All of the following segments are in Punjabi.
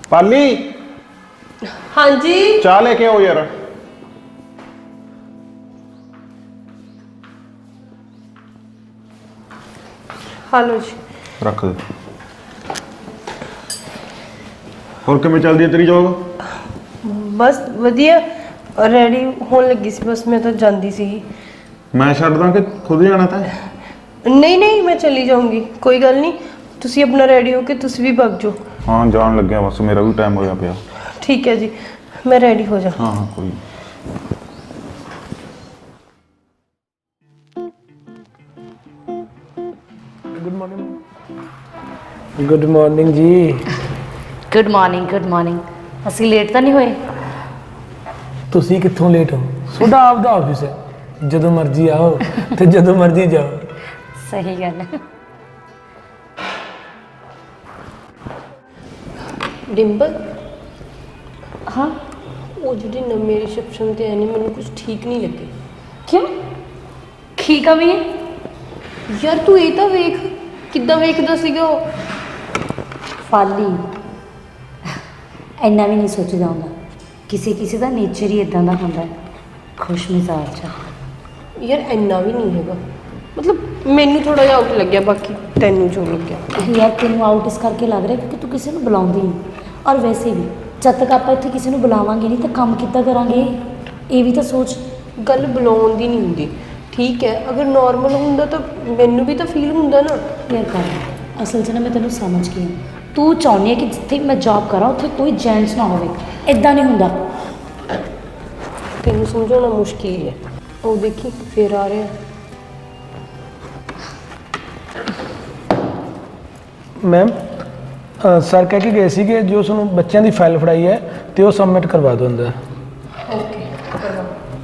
पाली हाँ जी चाह लेके आओ यार। हेलो जी। रख दे। और किवें चलदी है तेरी जॉब? बस वधिया रेडी होने लगी सी, बस मैं तो जाती सी। मैं छड्ड दा कि खुद ही जाना था? नहीं नहीं मैं चली जाऊंगी, कोई गल नहीं। तुसी अपना रेडी हो के तुसी भी भग जाओ। हाँ जान लग्या, बस मेरा भी टाइम होया पिया। ठीक है जी, मैं रेडी हो जा। हाँ हाँ कोई गुड मॉर्निंग जी। Good morning. ਅਸੀਂ ਲੇਟ ਤਾਂ ਨਹੀਂ ਹੋਏ? ਤੁਸੀਂ ਕਿੱਥੋਂ ਲੇਟ ਹੋ? ਤੁਹਾਡਾ ਆਪਦਾ ਆਫਿਸ ਹੈ, ਜਦੋਂ ਮਰਜ਼ੀ ਆਓ ਤੇ ਜਦੋਂ ਮਰਜ਼ੀ ਜਾਓ। ਸਹੀ ਗੱਲ ਹੈ। डिंपल हाँ वो जी नवे रिसेप्शन ते है नहीं, मैंने कुछ ठीक नहीं लगे। क्यों की कमी है? यार तू ये तो वेख किद्दां वेखदा सीगा वो। फाली ਇੰਨਾ ਵੀ ਨਹੀਂ ਸੋਚਦਾ ਹੁੰਦਾ, ਕਿਸੇ ਕਿਸੇ ਦਾ ਨੇਚਰ ਹੀ ਇਦਾਂ ਦਾ ਹੁੰਦਾ ਹੈ, ਖੁਸ਼ ਮਿਜ਼ਾਜ ਆ। यार इन्ना भी नहीं हैगा, मतलब मैनू थोड़ा जिहा आउट लग गया, बाकी तैनू जो लग गया। ਯਾਰ ਤੈਨੂੰ ਆਊਟ ਇਸ ਕਰਕੇ ਲੱਗ ਰਿਹਾ ਕਿਉਂਕਿ ਤੂੰ ਕਿਸੇ ਨੂੰ ਬੁਲਾਉਂਦੀ ਨਹੀਂ, ਔਰ ਵੈਸੇ ਵੀ ਜਦ ਤੱਕ ਆਪਾਂ ਇੱਥੇ ਕਿਸੇ ਨੂੰ ਬੁਲਾਵਾਂਗੇ ਨਹੀਂ ਤਾਂ ਕੰਮ ਕਿੱਦਾਂ ਕਰਾਂਗੇ, ਇਹ ਵੀ ਤਾਂ ਸੋਚ। गल बुलाउण दी नहीं हुंदी, ठीक है अगर नॉर्मल हुंदा तो मैनू भी तो फील हुंदा ना। ਯਾਰ ਕਰ ਅਸਲ 'ਚ ਨਾ ਮੈਂ ਤੈਨੂੰ ਸਮਝ ਗਈ ਹਾਂ, ਤੂੰ ਚਾਹੁੰਦੀ ਹੈ ਕਿ ਜਿੱਥੇ ਮੈਂ ਜੌਬ ਕਰਾਂ ਉੱਥੇ ਕੋਈ ਜੈਂਟਸ ਨਾ ਹੋਵੇ, ਇਦਾਂ ਨਹੀਂ ਹੁੰਦਾ। तेनू समझाना मुश्किल है। ओ देखी फिर आ रहा है। ਮੈਮ ਸਰ ਕਹਿ ਕੇ ਗਏ ਸੀ ਕਿ ਜੋ ਤੁਹਾਨੂੰ ਬੱਚਿਆਂ ਦੀ ਫਾਈਲ ਫੜਾਈ ਹੈ ਤੇ ਉਹ ਸਬਮਿਟ ਕਰਵਾ ਦਿਓ ਅੰਦਰ। ओके करवा।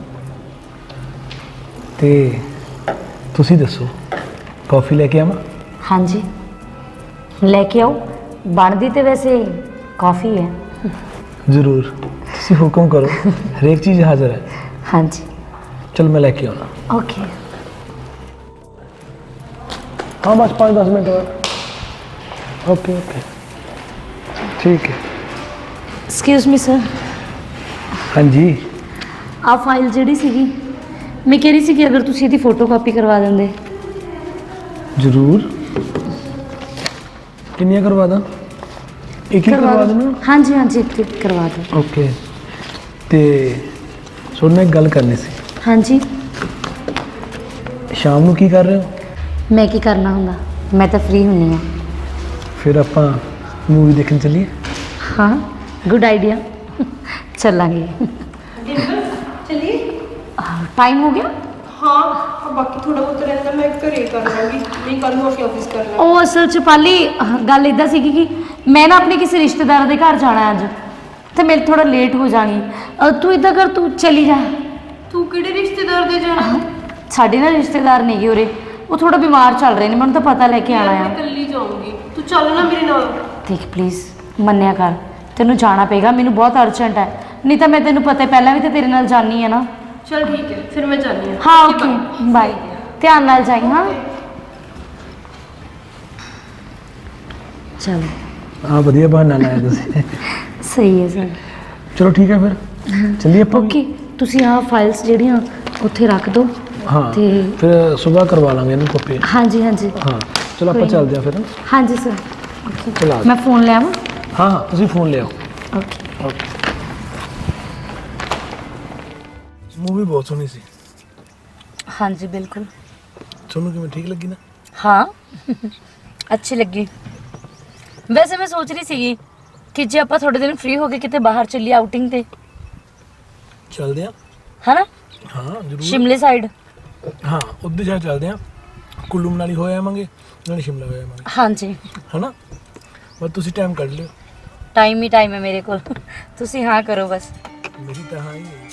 ਤੇ ਤੁਸੀਂ ਦੱਸੋ ਕਾਫੀ ਲੈ ਕੇ ਆਵਾਂ? ਹਾਂਜੀ ਲੈ ਕੇ ਆਓ, ਬਣਦੀ ਤੇ ਵੈਸੇ ਕਾਫੀ ਹੈ। ਜ਼ਰੂਰ, ਤੁਸੀਂ ਹੁਕਮ ਕਰੋ, ਹਰੇਕ ਚੀਜ਼ ਹਾਜ਼ਰ ਹੈ। ਹਾਂਜੀ ਚਲ ਮੈਂ ਲੈ ਕੇ ਆਉਣਾ। ਓਕੇ। हाँ बस 5-10 मिनट और। ओके ओके ठीक है। ਐਕਸਕਿਊਜ਼ ਮੀ ਸਰ, हाँ जी ਆ ਫਾਈਲ ਜਿਹੜੀ ਸੀਗੀ ਮੈਂ ਕਹਿ ਰਹੀ ਸੀ ਕਿ ਅਗਰ ਤੁਸੀਂ ਇਹਦੀ ਫੋਟੋ ਕਾਪੀ ਕਰਵਾ ਦਿੰਦੇ। जरूर। किन्नियां करवा दा? एक ही करवा देना। ਹਾਂਜੀ ਹਾਂਜੀ ਇੱਕ ਕਰਵਾ ਦਿਓ। ओके ते सुन मैं एक गल करनी सी, ਹਾਂਜੀ शाम ਨੂੰ ਕੀ ਕਰ ਰਹੇ ਹੋ? ਮੈਂ ਕੀ ਕਰਨਾ ਹੁੰਦਾ, ਮੈਂ ਤਾਂ ਫ੍ਰੀ ਹੁੰਨੀ ਹਾਂ। ਫਿਰ ਆਪਾਂ ਮੂਵੀ ਦੇਖਣ ਚੱਲੀਏ? ਹਾਂ ਗੁੱਡ ਆਈਡੀਆ, ਚੱਲਾਂਗੇ। चलिए। टाइम हो गया? हाँ और बाकी थोड़ा बहुत रहता मैं घरे कर लूँगी, नहीं कल ਨੂੰ ਆਕੇ ਆਫਿਸ ਕਰ ਲਾਂਗੀ। ਉਹ ਅਸਲ 'ਚ ਪਾਲੀ ਗੱਲ ਇਦਾਂ ਸੀਗੀ ਕਿ ਮੈਂ ਨਾ ਆਪਣੇ ਕਿਸੇ ਰਿਸ਼ਤੇਦਾਰ ਦੇ ਘਰ ਜਾਣਾ ਅੱਜ, ਤੇ ਮੈਂ ਥੋੜਾ ਲੇਟ ਹੋ ਜਾਣੀ। ਤੂੰ ਇਦਾਂ ਕਰ, ਤੂੰ ਚਲੀ ਜਾ। ਤੂੰ ਕਿਹੜੇ ਰਿਸ਼ਤੇਦਾਰ ਦੇ ਜਾਣਾ? ਸਾਡੇ ਨਾ ਰਿਸ਼ਤੇਦਾਰ ਨੇਗੇ ਉਰੇ, ਉਹ ਥੋੜਾ ਬਿਮਾਰ ਚੱਲ ਰਹੇ ਨੇ, ਮੈਨੂੰ ਤਾਂ ਪਤਾ ਲੈ ਕੇ ਆਣਾ ਆ। ਮੈਂ ਇਕੱਲੀ ਜਾਊਂਗੀ, ਤੂੰ ਚੱਲ ਨਾ ਮੇਰੇ ਨਾਲ। ਦੇਖ ਪਲੀਜ਼ ਮੰਨਿਆ ਕਰ, ਤੈਨੂੰ ਜਾਣਾ ਪਏਗਾ, ਮੈਨੂੰ ਬਹੁਤ ਅਰਜੈਂਟ ਹੈ, ਨਹੀਂ ਤਾਂ ਮੈਂ ਤੈਨੂੰ ਪਤਾ ਪਹਿਲਾਂ ਵੀ ਤਾਂ ਤੇਰੇ ਨਾਲ ਜਾਣੀ ਹੈ ਨਾ। चल ठीक है फिर मैं जानी हूँ। ਹਾਂ ਓਕੇ ਬਾਏ, ਧਿਆਨ ਨਾਲ ਜਾਈ। ਹਾਂ ਚਲੋ ਹਾਂ ਵਧੀਆ ਬਹਾਨਾ ਲਾਇਆ ਤੁਸੀਂ। ਸਹੀ ਹੈ ਸਰ। ਚਲੋ ਠੀਕ ਹੈ ਫਿਰ ਚੱਲੀਏ ਆਪਾਂ। ਓਕੇ ਤੁਸੀਂ ਆਹ ਫਾਈਲਸ ਜਿਹੜੀਆਂ ਉੱਥੇ ਰੱਖ ਦਿਓ। ਹਾਂ ਤੇ ਫਿਰ ਸਵੇਰ ਕਰਵਾ ਲਾਂਗੇ ਇਹਨੂੰ ਕਾਪੀ। ਹਾਂਜੀ ਹਾਂਜੀ ਹਾਂ ਚਲੋ ਆਪਾਂ ਕੋਈ ਚੱਲਦੇ ਹਾਂ ਫਿਰ। ਹਾਂਜੀ ਸਰ ਓਕੇ। ਚਲਾ ਮੈਂ ਫੋਨ ਲੈ ਆਵਾਂ? ਹਾਂ ਹਾਂ ਤੁਸੀਂ ਫੋਨ ਲਿਆਓ। ਓਕੇ। ਓਕੇ ਮੂਵੀ ਬਹੁਤ ਸੋਹਣੀ ਸੀ। ਹਾਂਜੀ ਬਿਲਕੁਲ। ਤੁਹਾਨੂੰ ਕਿਵੇਂ ਠੀਕ ਲੱਗੀ ਨਾ? ਹਾਂ ਅੱਛੀ ਲੱਗੀ। ਵੈਸੇ ਮੈਂ ਸੋਚ ਰਹੀ ਸੀਗੀ ਕਿ ਜੇ ਆਪਾਂ ਥੋੜੇ ਦਿਨ ਫ੍ਰੀ ਹੋ ਕੇ ਕਿਤੇ ਬਾਹਰ ਚੱਲੀਏ ਆਊਟਿੰਗ ਤੇ, ਚੱਲਦੇ ਹਾਂ। ਹਨਾ? ਹਾਂ ਜ਼ਰੂਰ। ਸ਼ਿਮਲੇ ਸਾਈਡ। ਹਾਂ ਉੱਧਰ ਜਾ ਚੱਲਦੇ ਹਾਂ, ਕੁੱਲੂ ਮਨਾਲੀ ਹੋ ਆਵਾਂਗੇ, ਨਾਲੇ ਸ਼ਿਮਲਾ ਹੋ ਆਵਾਂਗੇ। ਹਾਂਜੀ ਹਨਾ ਬਸ ਤੁਸੀਂ ਟਾਈਮ ਕੱਢ ਲਿਓ। ਟਾਈਮ ਹੀ ਟਾਈਮ ਹੈ ਮੇਰੇ ਕੋਲ, ਤੁਸੀਂ ਹਾਂ ਕਰੋ ਬਸ। ਮੇਰੀ ਤਾਂ ਹਾਂ ਹੀ ਹੈ।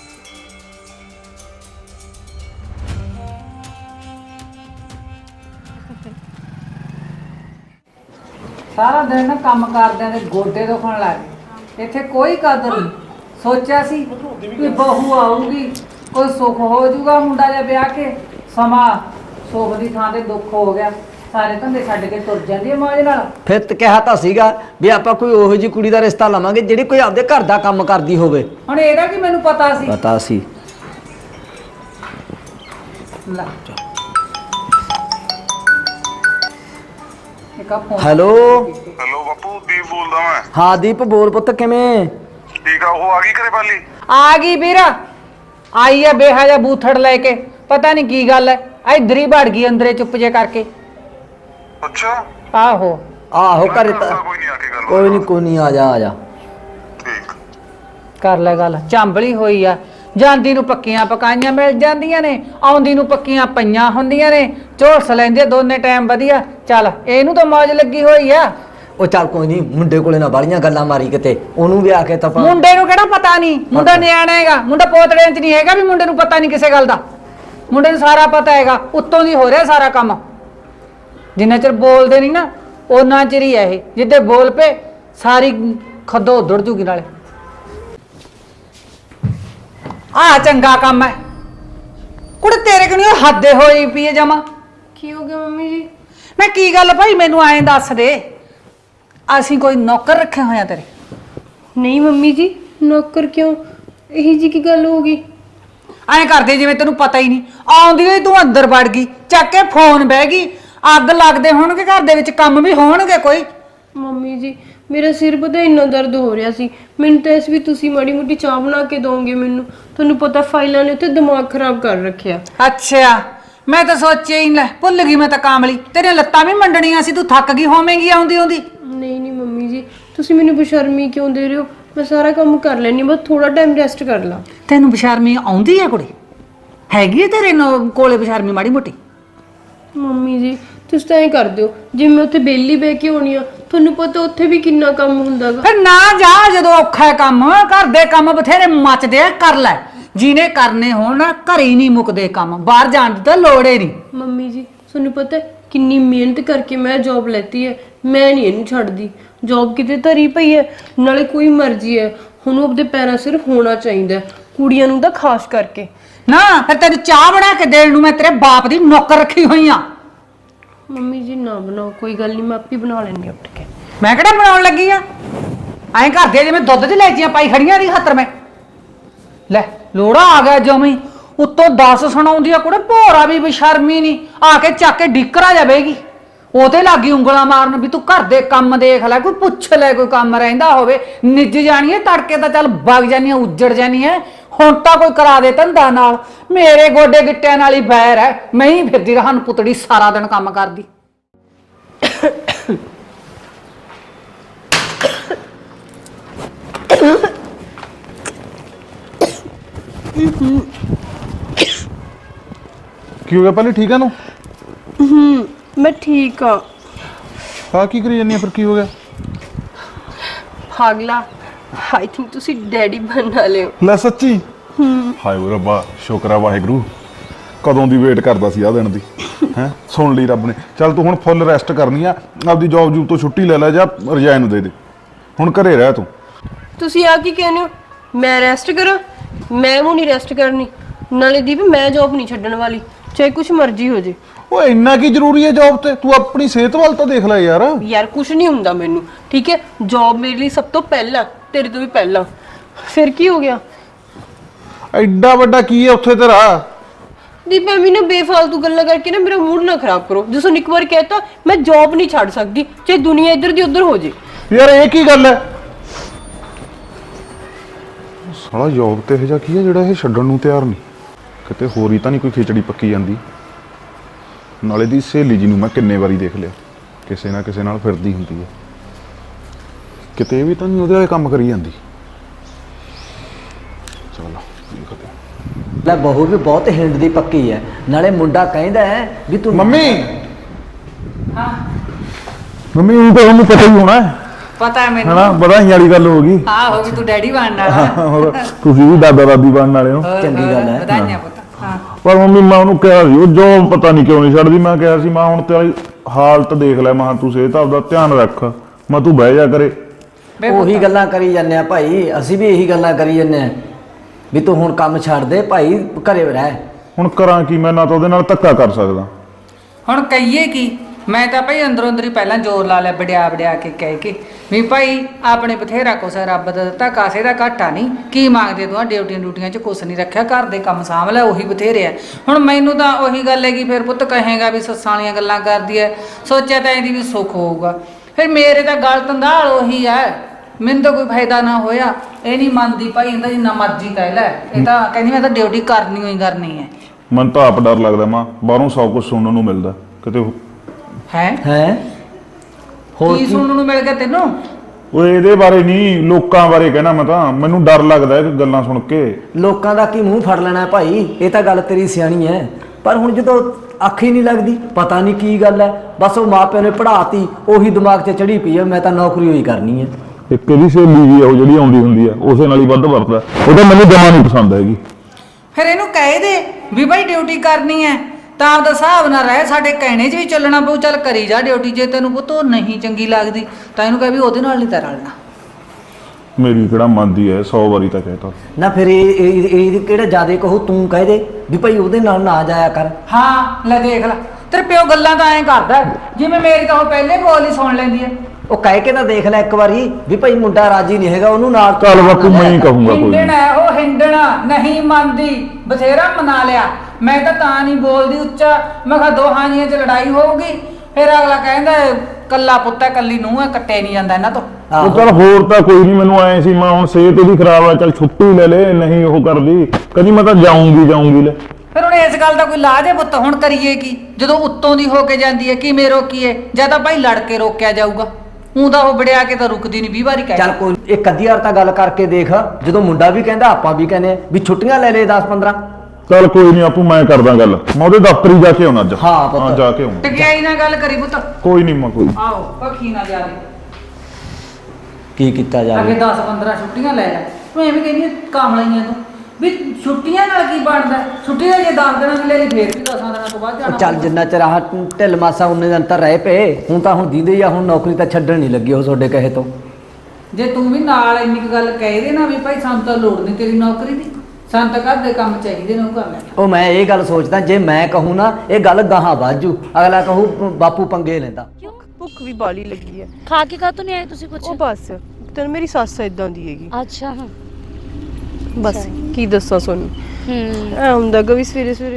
ਸਾਰਾ ਦਿਨ ਨਾ ਕੰਮ ਕਰਦਿਆਂ ਦੇ ਗੋਡੇ ਦੁਖਣ ਲੱਗ ਗਏ। ਇੱਥੇ ਕੋਈ ਕਦਰ ਨਹੀਂ। ਸੋਚਿਆ ਸੀ ਕਿ ਬਹੂ ਆਊਗੀ, ਕੋਈ ਸੁੱਖ ਹੋ ਜਾਊਗਾ, ਮੁੰਡਾ ਜਿਹਾ ਵਿਆਹ ਕੇ। ਸਮਾਂ ਸੁੱਖ ਦੀ ਥਾਂ ਤੇ ਦੁੱਖ ਹੋ ਗਿਆ। ਸਾਰੇ ਧੰਦੇ ਛੱਡ ਕੇ ਤੁਰ ਜਾਂਦੀ ਹੈ ਮੌਜ ਨਾਲ। ਫਿਰ ਤੇ ਕਿਹਾ ਤਾਂ ਸੀਗਾ ਵੀ ਆਪਾਂ ਕੋਈ ਉਹੋ ਜਿਹੀ ਕੁੜੀ ਦਾ ਰਿਸ਼ਤਾ ਲਵਾਂਗੇ ਜਿਹੜੀ ਕੋਈ ਆਪਦੇ ਘਰ ਦਾ ਕੰਮ ਕਰਦੀ ਹੋਵੇ। ਹੁਣ ਇਹਦਾ ਕੀ ਮੈਨੂੰ ਪਤਾ ਸੀ। ਪਤਾ ਸੀ। ਲੈ ਇੱਕ ਫੋਨ। ਹੈਲੋ ਹੈਲੋ ਬਾਪੂ ਦੀਪ ਬੋਲਦਾ ਮੈਂ। ਹਾਂ ਦੀਪ ਬੋਲ ਪੁੱਤ, ਕਿਵੇਂ? ਠੀਕ ਆ, ਉਹ ਆ ਗਈ ਘਰੇ ਪਾਲੀ? ਆ ਗਈ ਵੀਰ, ਆਈ ਹੈ ਬੇਹਾ ਜਿਹਾ ਬੂਥੜ ਲੈ ਕੇ, ਪਤਾ ਨਹੀਂ ਕੀ ਗੱਲ ਹੈ, ਇੱਧਰ ਹੀ ਵੜ ਗਈ ਅੰਦਰੇ ਚੁੱਪ ਜੇ ਕਰਕੇ। ਅੱਛਾ ਆਹੋ ਆਹੋ ਘਰੇ ਤਾਂ ਕੋਈ ਨਹੀਂ, ਆ ਕੇ ਗੱਲ ਕੋਈ ਨਹੀਂ ਆ ਜਾ। ਠੀਕ। ਕਰ ਲੈ ਗੱਲ, ਚਾਂਬਲੀ ਹੋਈ ਆ। ਜਾਂਦੀ ਨੂੰ ਪੱਕੀਆਂ ਪਕਾਈਆਂ ਮਿਲ ਜਾਂਦੀਆਂ ਨੇ, ਆਉਂਦੀ ਨੂੰ ਪੱਕੀਆਂ ਪਈਆਂ ਹੁੰਦੀਆਂ ਨੇ, ਝੋਲਸ ਲੈਂਦੇ ਦੋਨੇ ਟਾਈਮ ਵਧੀਆ। ਚੱਲ ਇਹਨੂੰ ਤਾਂ ਮੌਜ ਲੱਗੀ ਹੋਈ ਆ। ਉਹ ਚੱਲ ਕੋਈ ਨਹੀਂ, ਮੁੰਡੇ ਕੋਲੇ ਨਾ ਬਾਲੀਆਂ ਗੱਲਾਂ ਮਾਰੀ ਕਿਤੇ, ਉਹਨੂੰ ਵੀ ਆ ਕੇ ਤਾਂ ਮੁੰਡੇ ਨੂੰ ਕਿਹੜਾ ਪਤਾ ਨਹੀਂ, ਮੁੰਡਾ ਨਿਆਣਾ ਹੈਗਾ, ਮੁੰਡਾ ਪੋਤੜਿਆਂ 'ਚ ਨਹੀਂ ਹੈਗਾ ਵੀ ਮੁੰਡੇ ਨੂੰ ਪਤਾ ਨਹੀਂ ਕਿਸੇ ਗੱਲ ਦਾ। ਮੁੰਡੇ ਨੂੰ ਸਾਰਾ ਪਤਾ ਹੈਗਾ, ਉੱਤੋਂ ਦੀ ਹੋ ਰਿਹਾ ਸਾਰਾ ਕੰਮ। ਜਿੰਨਾ ਚਿਰ ਬੋਲਦੇ ਨਹੀਂ ਨਾ ਉਹਨਾਂ ਚਿਰ ਹੀ ਹੈ ਇਹ, ਜਿੱਦੇ ਬੋਲ ਪਏ ਸਾਰੀ ਖੱਦੋ ਉਧੜ ਜੂਗੀ ਨਾਲੇ। ਆ ਚੰਗਾ ਕੰਮ ਹੈ ਕੁੜੇ, ਤੇਰੇ ਕੋਲ ਨਹੀਂ ਹੱਦੇ ਹੋਈ ਪਈ ਜਮਾ। ਕੀ ਹੋ ਗਿਆ ਮੰਮੀ ਜੀ? ਨਾ ਕੀ ਗੱਲ ਭਾਈ ਮੈਨੂੰ ਐਂ ਦੱਸ ਦੇ, ਅਸੀਂ ਕੋਈ ਨੌਕਰ ਰੱਖੇ ਹੋਏ ਆ ਤੇਰੇ? ਨਹੀਂ ਮੰਮੀ ਜੀ, ਨੌਕਰ ਕਿਉਂ? ਇਹੀ ਜੀ ਕੀ ਗੱਲ ਹੋ ਗਈ? ਐਂ ਕਰਦੇ ਜਿਵੇਂ ਤੈਨੂੰ ਪਤਾ ਹੀ ਨਹੀਂ। ਆਉਂਦੀ ਹੋਈ ਤੂੰ ਅੰਦਰ ਵੜ ਗਈ, ਚੱਕ ਕੇ ਫੋਨ ਬਹਿ ਗਈ। ਅੱਗ ਲੱਗਦੇ ਹੋਣਗੇ ਘਰ ਦੇ ਵਿੱਚ, ਕੰਮ ਵੀ ਹੋਣਗੇ ਕੋਈ। ਮੰਮੀ ਜੀ ਮੇਰਾ ਸਿਰ ਪਤਾ ਇੰਨਾ ਦਰਦ ਹੋ ਰਿਹਾ ਸੀ, ਮੈਨੂੰ ਤਾਂ ਇਸ ਵੀ ਤੁਸੀਂ ਮਾੜੀ ਮੋਟੀ ਚਾਹ ਬਣਾ ਕੇ ਦੋਗੇ ਮੈਨੂੰ। ਤੁਹਾਨੂੰ ਪਤਾ ਫਾਈਲਾਂ ਨੇ ਉੱਥੇ ਦਿਮਾਗ ਖਰਾਬ ਕਰ ਰੱਖਿਆ। ਅੱਛਾ, ਮੈਂ ਤਾਂ ਸੋਚਿਆ ਹੀ ਲੈ, ਭੁੱਲ ਗਈ ਮੈਂ ਤਾਂ ਕਾਮਲੀ। ਤੇਰੀਆਂ ਲੱਤਾਂ ਵੀ ਮੰਡਣੀਆਂ ਸੀ, ਤੂੰ ਥੱਕ ਗਈ ਹੋਵੇਂਗੀ ਆਉਂਦੀ ਆਉਂਦੀ। ਨਹੀਂ ਨਹੀਂ ਮੰਮੀ ਜੀ, ਤੁਸੀਂ ਮੈਨੂੰ ਬੇਸ਼ਰਮੀ ਕਿਉਂ ਦੇ ਰਹੇ ਹੋ? ਮੈਂ ਸਾਰਾ ਕੰਮ ਕਰ ਲੈਣੀ, ਬਸ ਥੋੜਾ ਟਾਈਮ ਰੈਸਟ ਕਰ ਲਾ। ਤੈਨੂੰ ਬੇਸ਼ਰਮੀ ਆਉਂਦੀ ਹੈ ਕੁੜੀ? ਹੈਗੀ ਹੈ ਤੇਰੇ ਕੋਲੇ ਬੇਸ਼ਰਮੀ ਮਾੜੀ ਮੋਟੀ? ਮੰਮੀ ਜੀ ਤੁਸੀਂ ਤਾਂ ਐਂ ਕਰ ਦਿਓ, ਜਿਵੇਂ ਮੈਂ ਉੱਥੇ ਬੇਲੀ ਬਹਿ ਕੇ ਹੋਣੀ ਆ, ਤੁਹਾਨੂੰ ਪਤਾ ਉੱਥੇ ਵੀ ਕਿੰਨਾ ਕੰਮ ਹੁੰਦਾ ਗਾ। ਫਿਰ ਨਾ ਜਾ, ਜਦੋਂ ਔਖਾ ਹੈ ਕੰਮ, ਘਰ ਦੇ ਕੰਮ ਬਥੇਰੇ ਮੱਚਦੇ ਆ, ਕਰ ਲੈ। ਜਿਹਨੇ ਕਰਨੇ ਹੋਣ ਨਾ, ਘਰੇ ਹੀ ਨਹੀਂ ਮੁੱਕਦੇ ਕੰਮ, ਬਾਹਰ ਜਾਣ ਦੀ ਤਾਂ ਲੋੜ ਹੀ ਨਹੀਂ। ਮੰਮੀ ਜੀ ਤੁਹਾਨੂੰ ਪਤਾ ਕਿੰਨੀ ਮਿਹਨਤ ਕਰਕੇ ਮੈਂ ਜੌਬ ਲੈਤੀ ਹੈ, ਮੈਂ ਨਹੀਂ ਇਹਨੂੰ ਛੱਡਦੀ। ਜੌਬ ਕਿਤੇ ਧਰੀ ਪਈ ਹੈ, ਨਾਲੇ ਕੋਈ ਮਰਜ਼ੀ ਹੈ, ਹੁਣ ਉਹ ਆਪਣੇ ਪੈਰਾਂ ਸਿਰ ਹੋਣਾ ਚਾਹੀਦਾ, ਕੁੜੀਆਂ ਨੂੰ ਤਾਂ ਖਾਸ ਕਰਕੇ। ਨਾ ਫਿਰ ਤੈਨੂੰ ਚਾਹ ਬਣਾ ਕੇ ਦੇਣ ਨੂੰ ਮੈਂ ਤੇਰੇ ਬਾਪ ਦੀ ਨੌਕਰ ਰੱਖੀ ਹੋਈ ਆ। ਮੰਮੀ ਜੀ ਨਾ ਬਣਾਓ, ਕੋਈ ਗੱਲ ਨਹੀਂ, ਮੈਂ ਆਪੇ ਬਣਾ ਲੈਂਦੀ ਉੱਠ ਕੇ। ਮੈਂ ਕਿਹੜਾ ਬਣਾਉਣ ਲੱਗੀ ਆ? ਐਂ ਕਰਦੇ ਆ ਜਿਵੇਂ ਦੁੱਧ 'ਚ ਲੈਚੀਆਂ ਪਾਈ ਖੜੀਆਂ ਦੀ ਹੱਥਰ ਮੈਂ। ਲੈ ਲੋੜਾ ਆ ਗਿਆ ਜਮੀ, ਉੱਤੋਂ 10 ਸੁਣਾਉਂਦੀ ਆ ਕੁੜੇ, ਭੋਰਾ ਵੀ ਬੇਸ਼ਰਮੀ ਨਹੀਂ, ਆ ਕੇ ਚੱਕ ਕੇ ਢਿੱਕਰਾ ਜਾਵੇਗੀ। ਉਹਤੇ ਲੱਗੀ ਉਂਗਲਾਂ ਮਾਰਨ ਵੀ ਤੂੰ ਘਰ ਦੇ ਕੰਮ ਦੇਖ ਲੈ, ਕੋਈ ਪੁੱਛ ਲੈ, ਕੋਈ ਕੰਮ ਰਹਿੰਦਾ ਹੋਵੇ। ਨਿੱਜ ਜਾਣੀ ਹੈ ਤੜਕੇ ਤਾਂ ਚੱਲ ਵਗ ਜਾਨੀ ਹੈ, ਉੱਜੜ ਜਾਨੀ ਹੈ, ਹੁਣ ਤਾਂ ਕੋਈ ਕਰਾ ਦੇ ਧੰਦਾ ਨਾਲ। ਮੇਰੇ ਗੋਡੇ ਗਿੱਟਿਆਂ ਨਾਲ ਹੀ ਬੈਰ ਹੈ, ਮੈਂ ਹੀ ਫਿਰਦੀ ਰਹਾਂ ਪੁੱਤੜੀ ਸਾਰਾ ਦਿਨ ਕੰਮ ਕਰਦੀ। ਕੀ ਹੋ ਗਿਆ ਪਾਲੀ? ਠੀਕ ਆ ਨੂੰ? ਮੈਂ ਠੀਕ ਆ। ਆ ਕੀ ਕਰੀ ਜਾਂਦੀ ਆ? ਫਿਰ ਕੀ ਹੋ ਗਿਆ? ਪਾਗਲਾ, ਆਈ ਥਿੰਕ ਤੁਸੀਂ ਡੈਡੀ ਬਣਨ ਵਾਲੇ ਹੋ। ਲੈ ਸੱਚੀ? ਹਾਏ ਓ ਰੱਬਾ, ਸ਼ੁਕਰ ਆ ਵਾਹਿਗੁਰੂ, ਕਦੋਂ ਦੀ ਵੇਟ ਕਰਦਾ ਸੀ ਆ ਦਿਨ ਦੀ। ਹੈ ਸੁਣ ਲਈ ਰੱਬ ਨੇ। ਚੱਲ ਤੂੰ ਹੁਣ ਫੁੱਲ ਰੈਸਟ ਕਰਨੀ ਆ, ਆਪਦੀ ਜੌਬ ਜੂਬ ਤੋਂ ਛੁੱਟੀ ਲੈ ਲੈ ਜਾਂ ਰਜਾਈਨ ਦੇ ਦੇ, ਹੁਣ ਘਰੇ ਰਹਿ ਤੂੰ। ਤੁਸੀਂ ਆ ਕੀ ਕਹਿੰਦੇ ਹੋ? ਮੈਂ ਰੈਸਟ ਕਰਾਂ? ਮੈਂ ਹੁਣ ਨਹੀਂ ਰੈਸਟ ਕਰਨੀ, ਨਾਲੇ ਦੀਪ ਮੈਂ ਜੌਬ ਨਹੀਂ ਛੱਡਣ ਵਾਲੀ, ਚਾਹੇ ਕੁਛ ਮਰਜ਼ੀ ਹੋ ਜੇ। ਓਏ ਇੰਨਾ ਕੀ ਜ਼ਰੂਰੀ ਹੈ ਜੌਬ ਤੇ? ਤੂੰ ਆਪਣੀ ਸਿਹਤ ਵੱਲ ਤਾਂ ਦੇਖ ਲੈ ਯਾਰ। ਯਾਰ ਕੁਛ ਨਹੀਂ ਹੁੰਦਾ ਮੈਨੂੰ, ਠੀਕ ਹੈ? ਜੌਬ ਮੇਰੇ ਲਈ ਸਭ ਤੋਂ ਪਹਿਲਾਂ, ਤੇਰੇ ਤੋਂ ਵੀ ਪਹਿਲਾਂ। ਫਿਰ ਕੀ ਹੋ ਗਿਆ? ਐਡਾ ਵੱਡਾ ਕੀ ਹੈ ਉੱਥੇ ਤੇਰਾ? ਦੀਪ ਐਵੇਂ ਨਾ ਬੇਫਾਲਤੂ ਗੱਲਾਂ ਕਰਕੇ ਨਾ ਮੇਰਾ ਮੂਡ ਨਾ ਖਰਾਬ ਕਰੋ। ਜਿਸ ਨੂੰ ਇੱਕ ਵਾਰ ਕਹਿਤਾ ਮੈਂ ਜੌਬ ਨਹੀਂ ਛੱਡ ਸਕਦੀ, ਚਾਹੇ ਦੁਨੀਆ ਇੱਧਰ ਦੀ ਉੱਧਰ ਹੋ ਜੇ। ਯਾਰ ਇਹ ਕੀ ਗੱਲ ਹੈ? ਸਾਲਾ ਜੌਬ ਤੇ ਇਹ ਜਿਹਾ ਕੀ ਹੈ ਜਿਹੜਾ ਇਹ ਛੱਡਣ ਨੂੰ ਤਿਆਰ ਨਹੀਂ? ਕਿਤੇ ਹੋਰ ਹੀ ਤਾਂ ਨਹੀਂ ਕੋਈ ਖਿਚੜੀ ਪੱਕੀ ਜਾਂਦੀ? ਨਾਲੇ ਦੀ ਸਹੇਲੀ ਜੀ ਨੂੰ ਮੈਂ ਕਿੰਨੇ ਵਾਰੀ ਦੇਖ ਲਿਆ, ਕਿਸੇ ਨਾ ਕਿਸੇ ਨਾਲ ਫਿਰਦੀ ਹੁੰਦੀ ਹੈ, ਕਿਤੇ ਇਹ ਵੀ ਤਾਂ ਨਹੀਂ ਉਹਦੇ ਵਾਲੇ ਕੰਮ ਕਰੀ ਜਾਂਦੀ। ਚਲੋ ਦੇਖਦੇ ਹਾਂ। ਲੈ ਬਹੂ ਵੀ ਬਹੁਤ ਹਿੰਡ ਦੀ ਪੱਕੀ ਹੈ, ਨਾਲੇ ਮੁੰਡਾ ਕਹਿੰਦਾ ਹੈ ਵੀ ਤੂੰ ਮੰਮੀ ਮੰਮੀ ਉਹ ਤਾਂ ਉਹਨੂੰ ਪਤਾ ਹੀ ਹੋਣਾ ਹੈ ਪਤਾ ਹੈ ਮੈਨੂੰ, ਹਨਾ? ਵਧਾਈਆਂ ਵਾਲੀ ਗੱਲ ਹੋ ਗਈ। ਹਾਂ ਹੋ ਗਈ, ਤੂੰ ਡੈਡੀ ਬਣਨ ਵਾਲਾ। ਹੋਰ ਤੁਸੀਂ ਵੀ ਦਾਦਾ ਦਾਦੀ ਬਣਨ ਵਾਲੇ ਹੋ। ਚੰਗੀ ਗੱਲ ਹੈ। ਵਧਾਈਆਂ ਪੁੱਤ। ਹਾਂ ਪਰ ਮੰਮੀ ਮੈਂ ਉਹਨੂੰ ਕਿਹਾ ਸੀ, ਉਹ ਜੋ ਪਤਾ ਨਹੀਂ ਕਿਉਂ ਨਹੀਂ ਛੱਡਦੀ। ਮੈਂ ਕਿਹਾ ਸੀ ਮੈਂ ਹੁਣ ਤੇਰੀ ਹਾਲਤ ਦੇਖ ਲੈ, ਮੈਂ ਤੂੰ ਸਿਹਤ ਆਪਦਾ ਧਿਆਨ ਰੱਖ, ਮੈਂ ਤੂੰ ਬਹਿ ਜਾ ਕਰੇ। ਉਹੀ ਗੱਲਾਂ ਕਰੀ ਜਾਂਦੇ ਆ ਭਾਈ, ਅਸੀਂ ਵੀ ਇਹੀ ਗੱਲਾਂ ਕਰੀ ਜਾਂਦੇ ਆ ਵੀ ਤੂੰ ਹੁਣ ਕੰਮ ਛੱਡ ਦੇ ਭਾਈ, ਘਰੇ ਰਹਿ। ਹੁਣ ਕਰਾਂ ਕੀ? ਮੈਂ ਨਾ ਤਾਂ ਉਹਦੇ ਨਾਲ ਧੱਕਾ ਕਰ ਸਕਦਾ। ਹੁਣ ਕਹੀਏ ਕੀ? ਮੈਂ ਤਾਂ ਭਾਈ ਅੰਦਰੋਂ ਅੰਦਰ ਹੀ ਪਹਿਲਾਂ ਜ਼ੋਰ ਲਾ ਲਿਆ ਵੜਿਆ ਕੇ ਕਹਿ ਕੇ ਵੀ ਭਾਈ ਆਪਣੇ ਬਥੇਰਾ ਕੁਛ ਹੈ, ਰੱਬ ਦਾ ਦਿੱਤਾ, ਕਾਸੇ ਦਾ ਘਾਟਾ ਨਹੀਂ। ਕੀ ਮੰਗਦੇ ਤੂੰ? ਡਿਊਟੀਆਂ 'ਚ ਕੁਛ ਨਹੀਂ ਰੱਖਿਆ, ਘਰ ਦੇ ਕੰਮ ਸਾਂਭ ਲੈ, ਉਹੀ ਬਥੇਰੇ ਆ। ਹੁਣ ਮੈਨੂੰ ਤਾਂ ਉਹੀ ਗੱਲ ਹੈਗੀ, ਫਿਰ ਪੁੱਤ ਕਹੇਗਾ ਵੀ ਸੱਸਾਂ ਵਾਲੀਆਂ ਗੱਲਾਂ ਕਰਦੀ ਐ। ਸੋਚਿਆ ਤਾਂ ਇਹਦੀ ਵੀ ਸੁੱਖ ਹੋਊਗਾ, ਫਿਰ ਮੇਰੇ ਤਾਂ ਗਲ ਤੰਦਾਲ ਉਹੀ ਐ। ਮੈਨੂੰ ਤਾਂ ਕੋਈ ਫਾਇਦਾ ਨਾ ਹੋਇਆ। ਇਹ ਨਹੀਂ ਮੰਨਦੀ ਭਾਈ, ਇਹਦਾ ਜਿੰਨਾ ਮਰਜ਼ੀ ਕਹਿ ਲੈ, ਇਹ ਤਾਂ ਕਹਿੰਦੀ ਮੈਂ ਤਾਂ ਡਿਊਟੀ ਕਰਨੀ ਹੋਈ ਕਰਨੀ ਹੈ। ਮੈਨੂੰ ਤਾਂ ਆਪ ਡਰ ਲੱਗਦਾ ਮਾਂ, ਬਾਹਰੋਂ ਸਭ ਕੁਝ ਸੁਣਨ ਨੂੰ ਮਿਲਦਾ ਕਿਤੇ ਹੈ ਹੋਰ ਕੀ ਸੁਣਨ ਨੂੰ ਮਿਲ ਗਿਆ ਤੈਨੂੰ? ਉਹ ਇਹਦੇ ਬਾਰੇ ਨਹੀਂ, ਲੋਕਾਂ ਬਾਰੇ ਕਹਿਣਾ ਮੈਂ ਤਾਂ। ਮੈਨੂੰ ਡਰ ਲੱਗਦਾ ਇਹ ਗੱਲਾਂ ਸੁਣ ਕੇ। ਲੋਕਾਂ ਦਾ ਕੀ ਮੂੰਹ ਫੜ ਲੈਣਾ ਭਾਈ, ਇਹ ਤਾਂ ਗੱਲ ਤੇਰੀ ਸਿਆਣੀ ਹੈ, ਪਰ ਹੁਣ ਜਦੋਂ ਅੱਖ ਹੀ ਨਹੀਂ ਲੱਗਦੀ, ਪਤਾ ਨਹੀਂ ਕੀ ਗੱਲ ਹੈ। ਬਸ ਉਹ ਮਾਪਿਆਂ ਨੇ ਪੜ੍ਹਾਤੀ, ਉਹੀ ਦਿਮਾਗ 'ਚ ਚੜੀ ਪਈ ਹੈ, ਮੈਂ ਤਾਂ ਨੌਕਰੀ ਹੋਈ ਕਰਨੀ ਹੈ। ਇੱਕ ਇਹਦੀ ਸਹੇਲੀ ਜੀ ਆ ਉਹ ਜਿਹੜੀ ਆਉਂਦੀ ਹੁੰਦੀ ਆ, ਉਸੇ ਨਾਲ ਹੀ ਵੱਧ ਵਰਤਦਾ। ਉਹ ਤਾਂ ਮੈਨੂੰ ਜਮਾ ਨਹੀਂ ਪਸੰਦ ਹੈਗੀ। ਫਿਰ ਇਹਨੂੰ ਕਹਿ ਦੇ ਵੀ ਭਾਈ ਡਿਊਟੀ ਕਰਨੀ ਹੈ ਤਾਂ ਆਪਦਾ ਹਿਸਾਬ ਨਾਲ ਰਹਿ, ਸਾਡੇ ਕਹਿਣੇ 'ਚ ਵੀ ਚੱਲਣਾ ਪਊ। ਚੱਲ ਕਰੀ ਜਾ ਡਿਊਟੀ, ਜੇ ਤੈਨੂੰ ਪੁੱਤ ਉਹ ਨਹੀਂ ਚੰਗੀ ਲੱਗਦੀ ਤਾਂ ਇਹਨੂੰ ਕਹਿ ਵੀ ਉਹਦੇ ਨਾਲ ਨਹੀਂ ਤਾਂ ਰਲਣਾ। ਮੇਰੀ ਕਿਹੜਾ ਮੰਨਦੀ ਐ, 100 ਵਾਰੀ ਤਾਂ ਕਹਿਤਾ। ਨਾ ਫਿਰ ਇਹ ਕਿਹੜਾ ਜ਼ਿਆਦੇ ਕਹੋ, ਤੂੰ ਕਹਿ ਦੇ ਵੀ ਭਾਈ ਉਹਦੇ ਨਾਲ ਨਾ ਜਾਇਆ ਕਰ। ਹਾਂ ਲੈ ਦੇਖ ਲੈ, ਤੇਰੇ ਪਿਓ ਗੱਲਾਂ ਤਾਂ ਐਂ ਕਰਦਾ ਜਿਵੇਂ ਮੇਰੀ ਤਾਂ ਉਹ ਪਹਿਲੇ ਬੋਲ ਹੀ ਸੁਣ ਲੈਂਦੀ ਹੈ। ਉਹ ਕਹਿ ਕੇ ਤਾਂ ਦੇਖ ਲੈ ਇੱਕ ਵਾਰੀ ਵੀ ਭਾਈ ਮੁੰਡਾ ਰਾਜੀ ਨਹੀਂ ਹੈਗਾ, ਉਹਨੂੰ ਨਾਲ ਚੱਲ ਬਾਪੂ ਮੈਂ ਹੀ ਕਹੂੰਗਾ ਕੋਈ ਹਿੰਡਣਾ ਹੈ ਉਹ, ਹਿੰਡਣਾ ਨਹੀਂ ਮੰਨਦੀ, ਬਥੇਰਾ ਮਨਾ ਲਿਆ। ਮੈਂ ਤਾਂ ਨਹੀਂ ਬੋਲਦੀ ਉੱਚਾ, ਮੈਂ ਕਿਹਾ ਦੋਹਾਂ ਜੀਆਂ 'ਚ ਲੜਾਈ ਹੋਊਗੀ। ਫਿਰ ਅਗਲਾ ਕਹਿੰਦਾ ਕੱਲਾ ਪੁੱਤ ਹੈ, ਕੱਲੀ ਨੂੰਹ ਹੈ, ਕੱਟੇ ਨਹੀਂ ਜਾਂਦਾ ਇਹਨਾਂ ਤੋਂ। ਉਹ ਚੱਲ ਹੋਰ ਤਾਂ ਕੋਈ ਨਹੀਂ, ਮੈਨੂੰ ਆਏ ਸੀ ਮਾਂ ਹੁਣ ਸਿਹਤ ਇਹਦੀ ਖਰਾਬ ਆ, ਚੱਲ ਛੁੱਟੀ ਲੈ ਲੈ, ਨਹੀਂ ਉਹ ਕਰਦੀ ਕਦੀ ਮੈਂ ਤਾਂ ਜਾਊਂਗੀ ਲੈ। ਫਿਰ ਹੁਣ ਇਸ ਗੱਲ ਦਾ ਕੋਈ ਲਾਜ ਹੈ ਪੁੱਤ? ਹੁਣ ਕਰੀਏ ਕੀ ਜਦੋਂ ਉੱਤੋਂ ਦੀ ਹੋ ਕੇ ਜਾਂਦੀ ਹੈ? ਕਿਵੇਂ ਰੋਕੀਏ? ਜਾਂ ਤਾਂ ਭਾਈ ਲੜ ਕੇ ਰੋਕਿਆ ਜਾਊਗਾ, ਉਹਦਾ ਉਹ ਵੜਿਆ ਕੇ ਤਾਂ ਰੁਕਦੀ ਨਹੀਂ, 20 ਵਾਰੀ ਕਹਿ ਚੱਲ ਕੋਈ ਇੱਕ ਅੱਧੀ ਵਾਰ ਤਾਂ ਗੱਲ ਕਰਕੇ ਦੇਖ, ਜਦੋਂ ਮੁੰਡਾ ਵੀ ਕਹਿੰਦਾ ਆਪਾਂ ਵੀ ਕਹਿੰਦੇ ਵੀ ਛੁੱਟੀਆਂ ਲੈ ਲੈ 10-15। ਚੱਲ ਕੋਈ ਨਹੀਂ ਆਪੂ, ਮੈਂ ਕਰਦਾ ਗੱਲ, ਮੈਂ ਉਹਦੇ ਦਫ਼ਤਰ ਹੀ ਜਾ ਕੇ ਆਉਣਾ ਅੱਜ। ਹਾਂ ਪੁੱਤ। ਜਾ ਕੇ ਆਉਣਾ। ਟਕਿਆਈ ਨਾਲ ਗੱਲ ਕਰੀ ਪੁੱਤ। ਕੋਈ ਨਹੀਂ ਮਾਂ, ਕੋਈ ਆਓ ਪੱਖੀ ਨਾ ਜਾ ਦੇ, ਕੀ ਕੀਤਾ ਅੱਗੇ ਜਾਵੇ। 10-15 ਛੁੱਟੀਆਂ ਲੈ ਲੈ। ਤੂੰ ਐਵੇਂ ਕਹਿੰਦੀ ਕਾਮਲਾਈਆਂ ਤੋਂ ਵੀ ਛੁੱਟੀਆਂ ਨਾਲ ਕੀ ਬਣਦਾ? ਛੁੱਟੀ ਦਾ ਜੇ 10 ਦਿਨਾਂ ਦੀ ਲੈ ਲਈ ਫੇਰ ਵੀ 10 ਦਿਨਾਂ ਤੋਂ ਬਾਅਦ ਜਾਣਾ। ਚੱਲ ਜਿੰਨਾ ਚਿਰ ਆਹ ਢਿੱਲ ਮਾਸਾ ਉਹਨੇ ਦਿਨ ਤਾਂ ਰਹਿ ਪਏ, ਹੁਣ ਤਾਂ ਹੁਣ ਦੀਦੇ ਆ, ਹੁਣ ਨੌਕਰੀ ਤਾਂ ਛੱਡਣ ਨਹੀਂ ਲੱਗੀ ਉਹ ਤੁਹਾਡੇ ਕਹੇ ਤੋਂ। ਜੇ ਤੂੰ ਵੀ ਨਾਲ ਇੰਨੀ ਕੁ ਗੱਲ ਕਹਿ ਦੇ ਨਾ ਵੀ ਭਾਈ ਸਾਨੂੰ ਤਾਂ ਲੋੜ ਨਹੀਂ ਤੇਰੀ ਨੌਕਰੀ ਦੀ, ਸਾਨੂੰ ਤਾਂ ਘਰ ਦੇ ਕੰਮ ਚਾਹੀਦੇ ਨੇ, ਉਹ ਕਰ ਲੈ। ਉਹ ਮੈਂ ਇਹ ਗੱਲ ਸੋਚਦਾ, ਜੇ ਮੈਂ ਕਹੂੰ ਨਾ ਇਹ ਗੱਲ ਗਾਹਾਂ ਵਾਜੂ, ਅਗਲਾ ਕਹੂ ਬਾਪੂ ਪੰਗੇ ਲੈਂਦਾ। ਭੁੱਖ ਵੀ ਬਾਲੀ ਲੱਗੀ ਹੈ। ਖਾ ਕੇ ਕਾਹਤੋਂ ਨਹੀਂ ਆਏ ਤੁਸੀਂ ਕੁਝ? ਉਹ ਬਸ ਤੈਨੂੰ ਮੇਰੀ ਸੱਸ ਇਦਾਂ ਦੀ ਹੈਗੀ, ਅੱਛਾ ਹਾਂ। ਬਸ ਕੀ ਦੱਸਾਂ ਤੁਹਾਨੂੰ। ਐ ਹੁੰਦਾ ਗਾ ਵੀ ਸਵੇਰੇ ਸਵੇਰੇ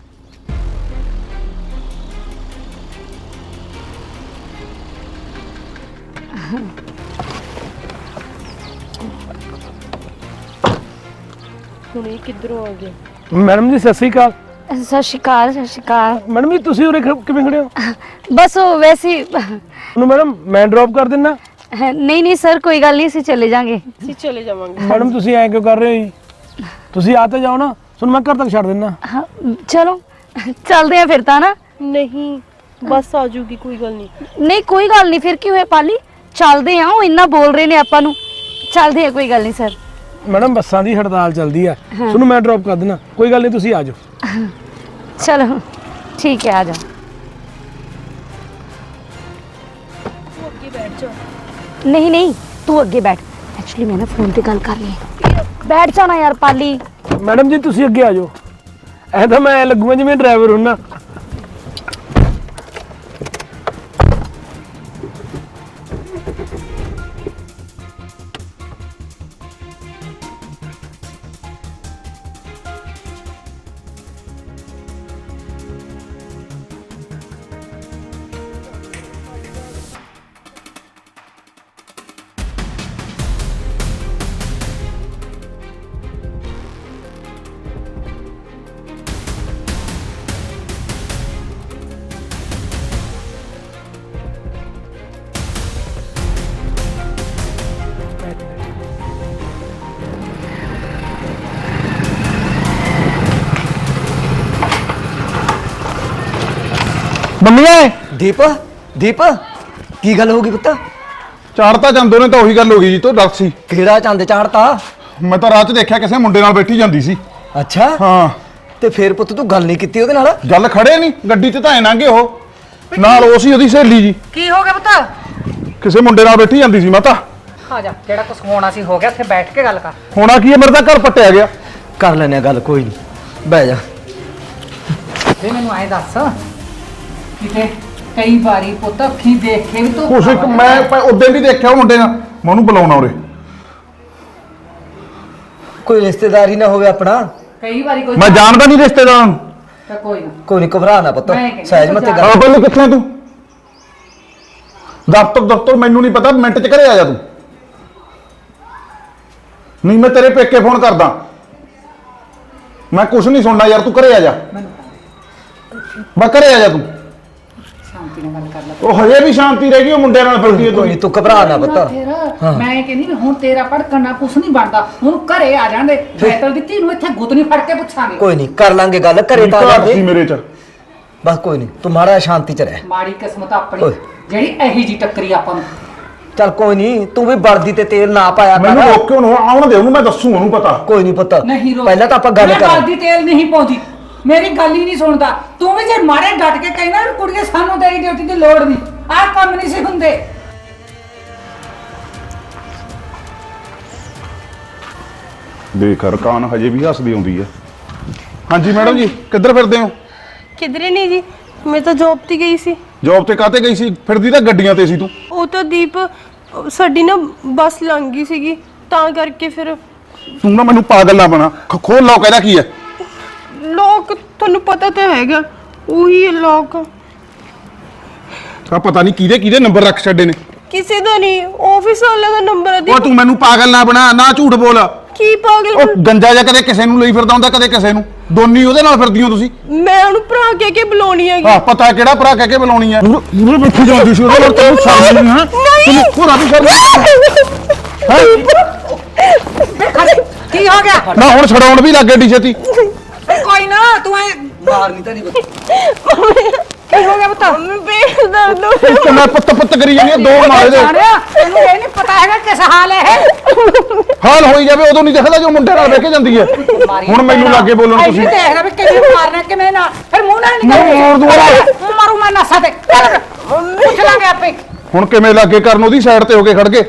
ਹੁਣ ਇਹ ਕਿੱਧਰੋਂ ਆ ਗਿਆ? ਮੈਡਮ ਜੀ ਸਤਿ ਸ੍ਰੀ ਅਕਾਲ। ਸਤਿ ਸ਼੍ਰੀ ਅਕਾਲ, ਸਤਿ ਸ਼੍ਰੀ ਅਕਾਲ। ਮੈਡਮ ਜੀ ਤੁਸੀਂ ਉਰੇ ਕਿਵੇਂ ਖੜੇ ਹੋ? ਬਸ ਉਹ ਵੈਸੇ ਹੀ- ਉਹਨੂੰ ਮੈਡਮ ਮੈਂ ਡ੍ਰੌਪ ਕਰ ਦਿੰਨਾ। ਨਹੀਂ ਨਹੀਂ ਸਰ, ਕੋਈ ਗੱਲ ਨਹੀਂ, ਅਸੀਂ ਚਲੇ ਜਾਾਂਗੇ। ਅਸੀਂ ਚਲੇ ਜਾਵਾਂਗੇ। ਮੈਡਮ ਤੁਸੀਂ ਐਂ ਕਿਉਂ ਕਰ ਰਹੇ ਹੋ ਜੀ? ਤੁਸੀਂ ਆ ਤਾਂ ਜਾਓ ਨਾ, ਤੁਹਾਨੂੰ ਮੈਂ ਘਰ ਤੱਕ ਛੱਡ ਦਿੰਨਾ। ਹਾਂ, ਚਲੋ ਚੱਲਦੇ ਆ ਫਿਰ ਤਾਂ ਨਾ। ਨਹੀਂ ਬਸ ਆ ਜੂਗੀ, ਕੋਈ ਗੱਲ ਨਹੀਂ। ਨਹੀਂ ਕੋਈ ਗੱਲ ਨਹੀਂ, ਫਿਰ ਕੀ ਹੋਇਆ ਪਾਲੀ, ਚੱਲਦੇ ਆ। ਉਹ ਇੰਨਾ ਬੋਲ ਰਹੇ ਨੇ ਆਪਾਂ ਨੂੰ, ਚੱਲਦੇ ਆ, ਕੋਈ ਗੱਲ ਨਹੀਂ ਸਰ। ਮੈਡਮ ਬੱਸਾਂ ਦੀ ਹੜਤਾਲ ਚੱਲਦੀ ਆ, ਤੁਹਾਨੂੰ ਮੈਂ ਡ੍ਰੌਪ ਕਰ ਦਿੰਨਾ, ਕੋਈ ਗੱਲ ਨਹੀਂ, ਤੁਸੀਂ ਆ ਜਾਓ। ਚਲੋ ਠੀਕ ਹੈ, ਆ ਜਾ। ਨਹੀਂ ਨਹੀਂ ਤੂੰ ਅੱਗੇ ਬੈਠ, ਐਕਚੁਅਲੀ ਮੈਂ ਨਾ ਫੋਨ ਤੇ ਗੱਲ ਕਰਨੀ ਹੈ। ਬੈਠ ਜਾਣਾ ਯਾਰ ਪਾਲੀ। ਮੈਡਮ ਜੀ ਤੁਸੀਂ ਅੱਗੇ ਆ ਜਾਓ, ਐ ਤਾਂ ਮੈਂ ਲੱਗੂਗਾ ਜਿਵੇਂ ਡਰਾਈਵਰ ਹੁੰਨਾ। ਮੰਮੀਏ ਦੀਪ ਦੀਪ ਕੀ ਗੱਲ ਹੋ ਗਈ ਪੁੱਤ? ਚਾੜਤਾ ਚੰਦੋ ਨੇ ਤਾਂ ਉਹੀ ਗੱਲ ਹੋ ਗਈ ਜੀ, ਤੋਂ ਡਰ ਸੀ। ਕਿਹੜਾ ਚੰਦ ਚਾੜਤਾ? ਮੈਂ ਤਾਂ ਰਾਹ 'ਚ ਦੇਖਿਆ ਕਿਸੇ ਮੁੰਡੇ ਨਾਲ ਬੈਠੀ ਜਾਂਦੀ ਸੀ। ਅੱਛਾ ਹਾਂ ਤੇ ਫੇਰ ਪੁੱਤ ਤੂੰ ਗੱਲ ਨਹੀਂ ਕੀਤੀ ਉਹਦੇ ਨਾਲ? ਗੱਲ ਖੜੇ ਨਹੀਂ, ਗੱਡੀ 'ਚ ਤਾਂ ਐ ਲੰਘੇ ਉਹ, ਨਾਲ ਉਹ ਸੀ ਉਹਦੀ ਸਹੇਲੀ ਜੀ, ਕੀ ਹੋ ਗਿਆ ਪੁੱਤ? ਕਿਸੇ ਮੁੰਡੇ ਨਾਲ ਬੈਠੀ ਜਾਂਦੀ ਸੀ। ਮੈਂ ਤਾਂ ਆ ਜਾ, ਜਿਹੜਾ ਕੁਛ ਹੋਣਾ ਸੀ ਹੋ ਗਿਆ, ਉੱਥੇ ਬੈਠ ਕੇ ਗੱਲ ਕਰ। ਹੋਣਾ ਕੀ ਹੈ, ਮੇਰੇ ਤਾਂ ਘਰ ਪੱਟਿਆ ਗਿਆ। ਕਰ ਲੈਨੇ ਆ ਗੱਲ, ਕੋਈ ਨਹੀਂ, ਬਹਿ ਜਾ। ਵੀ ਮੈਨੂੰ ਐਂ ਦੱਸ, ਕਿਤੇ ਕਈ ਵਾਰੀ ਪੁੱਤ ਅੱਖੀਂ ਦੇਖ ਕੇ ਵੀ ਤੂੰ ਕੁਛ ਇੱਕ ਮੈਂ ਉਦੋਂ ਵੀ ਦੇਖਿਆ ਉਹ ਮੁੰਡੇ ਨਾਲ, ਮੈਂ ਉਹਨੂੰ ਬੁਲਾਉਣਾ ਉਰੇ। ਕੋਈ ਰਿਸ਼ਤੇਦਾਰ ਹੀ ਨਾ ਹੋਵੇ ਆਪਣਾ। ਕਈ ਵਾਰੀ ਕੋਈ ਮੈਂ ਜਾਣਦਾ ਨਹੀਂ ਰਿਸ਼ਤੇਦਾਰਾਂ ਨੂੰ। ਤਾਂ ਕੋਈ ਨਾ ਕੋਈ ਨਹੀਂ, ਘਬਰਾ ਨਾ ਪੁੱਤ, ਮੈਂ ਕਹਿੰਦੀ ਸਹਿਜ ਮਤੇ ਗੱਲ। ਹਾਂ ਪਹਿਲੇ ਕਿੱਥੇ ਤੂੰ? ਦਫ਼ਤਰ ਮੈਨੂੰ ਨਹੀਂ ਪਤਾ, ਮਿੰਟ 'ਚ ਘਰੇ ਆ ਜਾ ਤੂੰ। ਨਹੀਂ ਮੈਂ ਤੇਰੇ ਪੇਕੇ ਫੋਨ ਕਰਦਾ, ਮੈਂ ਕੁਛ ਨਹੀਂ ਸੁਣਨਾ ਯਾਰ, ਤੂੰ ਘਰੇ ਆ ਜਾ। ਬਸ ਘਰੇ ਆ ਜਾ ਤੂੰ। ਸ਼ਾਂਤੀ ਨਾਲ ਗੱਲ ਕਰ ਲੈ ਉਹ ਹਜੇ ਵੀ ਸ਼ਾਂਤੀ ਰਹਿ ਗਈ, ਉਹ ਮੁੰਡਿਆਂ ਨਾਲ ਫਿਰਦੀ ਹੈ ਕੋਈ ਤੂੰ। ਨਹੀਂ, ਤੂੰ ਘਬਰਾ ਨਾ ਪੁੱਤ। ਮੈਂ ਕਹਿੰਦੀ ਵੀ ਹੁਣ ਤੇਰਾ ਭੜਕਣਾ ਕੁਛ ਨਹੀਂ ਬਣਦਾ, ਹੁਣ ਘਰੇ ਆ ਜਾਂਦੇ ਫੈਤਲ ਦੀ ਧੀ ਨੂੰ ਇੱਥੇ ਗੁੱਤ ਨਹੀਂ ਫੜ ਕੇ ਪੁੱਛਾਂਗੇ। ਕੋਈ ਨਹੀਂ, ਕਰ ਲਾਂਗੇ ਗੱਲ, ਘਰੇ ਤਾਂ ਆ ਘਰ ਸੀ ਜਾਂਦੇ। ਮੇਰੇ 'ਚ। ਬਸ ਕੋਈ ਨਹੀਂ, ਤੂੰ ਮਾੜਾ ਜਿਹਾ ਸ਼ਾਂਤੀ ਚ ਰਹਿ। ਮਾੜੀ ਕਿਸਮਤ ਆਪਣੀ ਓਏ। ਜਿਹੜੀ ਇਹੀ ਜੀ ਟੱਕਰੀ ਆਪਾਂ ਨੂੰ। ਚੱਲ ਕੋਈ ਨਹੀਂ, ਤੂੰ ਵੀ ਵਰਦੀ ਤੇ ਤੇਲ ਨਾ ਪਾਇਆ ਮੈਨੂੰ ਕਰ। ਰੋਕ ਕੇ ਉਹਨੂੰ ਆਉਣ ਦੇ, ਉਹਨੂੰ ਮੈਂ ਦੱਸੂ, ਉਹਨੂੰ ਪਤਾ। ਕੋਈ ਨਹੀਂ ਪੁੱਤ, ਨਹੀਂ ਰੋ ਪਹਿਲਾਂ ਤਾਂ ਆਪਾਂ ਗੱਲ ਮੈਂ ਕਰਾਂ। ਹਲਦੀ ਤੇਲ ਨਹੀਂ ਪਾਉਂਦੀ, ਮੇਰੀ ਗੱਲ ਹੀ ਨਹੀਂ ਸੁਣਦਾ। ਤੂੰ ਵੀ ਜੇ ਮਾਰੇ ਡਟ ਕੇ ਕਹਿਣਾ ਵੀ ਕੁੜੀਏ ਸਾਨੂੰ ਤੇਰੀ ਡਿਊਟੀ ਦੀ ਲੋੜ ਨਹੀਂ, ਆਹ ਕੰਮ ਨਹੀਂ ਸੀ ਹੁੰਦੇ। ਬੇਖਰ ਕਾਨ ਹਜੇ ਵੀ ਹੱਸਦੀ ਆਉਂਦੀ ਹੈ। ਹਾਂਜੀ ਮੈਡਮ ਜੀ, ਕਿੱਧਰ ਫਿਰਦੇ ਹੋ? ਕਿਧਰੇ ਨਹੀਂ ਜੀ, ਮੈਂ ਤਾਂ ਜੌਬ ਤੇ ਗਈ ਸੀ। ਜੌਬ ਤੇ ਕਾਤੇ ਗਈ ਸੀ? ਫਿਰਦੀ ਤਾਂ ਗੱਡੀਆਂ ਤੇ ਸੀ ਤੂੰ। ਉਹ ਤਾਂ ਦੀਪ ਸਾਡੀ ਨਾ ਬੱਸ ਲੰਘ ਗਈ ਸੀਗੀ, ਤਾਂ ਕਰਕੇ ਫਿਰ ਤੂੰ ਨਾ ਮੈਨੂੰ ਪਾਗਲ ਨਾ ਬਣਾ। ਖੋਲ ਲਓ, ਕਹਿੰਦਾ ਕੀ ਹੈ? ਲੋਕ ਤੁਹਾਨੂੰ ਪਤਾ ਤਾਂ ਹੈਗਾ, ਉਹੀ ਲੋਕ ਆ ਪਤਾ ਨਹੀਂ ਕਿਹਦੇ ਕਿਹਦੇ ਨੰਬਰ ਰੱਖ ਛੱਡੇ ਨੇ। ਕਿਸੇ ਦਾ ਨਹੀਂ, ਆਫਿਸ ਵਾਲੇ ਦਾ ਨੰਬਰ ਹੈ। ਉਹ ਤੂੰ ਮੈਨੂੰ ਪਾਗਲ ਨਾ ਬਣਾ, ਨਾ ਝੂਠ ਬੋਲ। ਕੀ ਪਾਗਲ ਉਹ ਗੰਜਾ ਜਿਹਾ ਕਦੇ ਕਿਸੇ ਨੂੰ ਲਈ ਫਿਰਦਾ ਹੁੰਦਾ, ਕਦੇ ਕਿਸੇ ਨੂੰ। ਦੋਨੀ ਉਹਦੇ ਨਾਲ ਫਿਰਦੀ ਹੋ ਤੁਸੀਂ। ਮੈਂ ਉਹਨੂੰ ਭਰਾ ਕਹਿ ਕੇ ਬੁਲਾਉਣੀ ਹੈਗੀ। ਆਹ ਪਤਾ ਕਿਹੜਾ ਭਰਾ ਕਹਿ ਕੇ ਬੁਲਾਉਣੀ ਹੈ। ਮੂਰੇ ਬੈਠੀ ਜਾਂਦੀ ਸੀ ਉਹਦੇ ਨਾਲ, ਤੈਨੂੰ ਸ਼ਰਮ ਨਹੀਂ ਹੈ? ਤੈਨੂੰ ਪੂਰਾ ਵੀ ਸ਼ਰਮ ਕੀ ਹੋ ਗਿਆ? ਨਾ ਹੁਣ ਛਡਾਉਣ ਵੀ ਲੱਗੇ ਡੀ ਛੇਤੀ। ਕੋਈ ਨਾ, ਤੂੰ ਐ ਮਾਰਨੀ ਤਾਂ ਨਹੀਂ ਪੁੱਤ। ਕੀ ਹੋ ਗਿਆ ਬਤਾ? ਮੈਂ ਪੇਟ ਦਰਦ ਹੋ ਰਿਹਾ। ਤੇ ਮੈਂ ਪੁੱਤ ਕਰੀ ਜਾਂਦੀ ਆ, ਦੋ ਮਾਰੇ ਦੇ। ਜਾਣਿਆ ਤੈਨੂੰ ਇਹ ਨਹੀਂ ਪਤਾ ਹੈਗਾ ਕਿਸ ਹਾਲ ਹੈ ਇਹ। ਹਾਲ ਹੋਈ ਜਾਵੇ, ਉਦੋਂ ਨਹੀਂ ਦਿਖਦਾ ਜੋ ਮੁੰਡੇ ਨਾਲ ਬਹਿ ਕੇ ਜਾਂਦੀ ਹੈ। ਹੁਣ ਮੈਨੂੰ ਲੱਗੇ ਬੋਲਣ ਤੁਸੀਂ। ਐਂ ਦੇਖਦਾ ਵੀ ਕਿਵੇਂ ਮਾਰਨਾ ਕਿਵੇਂ ਨਾ, ਫਿਰ ਮੂੰਹ ਨਾਲ ਮੂੰਹ ਮਾਰ ਦੂੰਗਾ। ਮਾਰੂ ਮੈਂ ਨਸਾਂ ਤੇ। ਚੱਲ ਪੁੱਛ ਲਾਂਗੇ ਆਪੇ। ਹੁਣ ਕਿਵੇਂ ਲੱਗੇ ਕਰਨ, ਉਹਦੀ ਸਾਈਡ ਤੇ ਹੋ ਕੇ ਖੜ ਕੇ।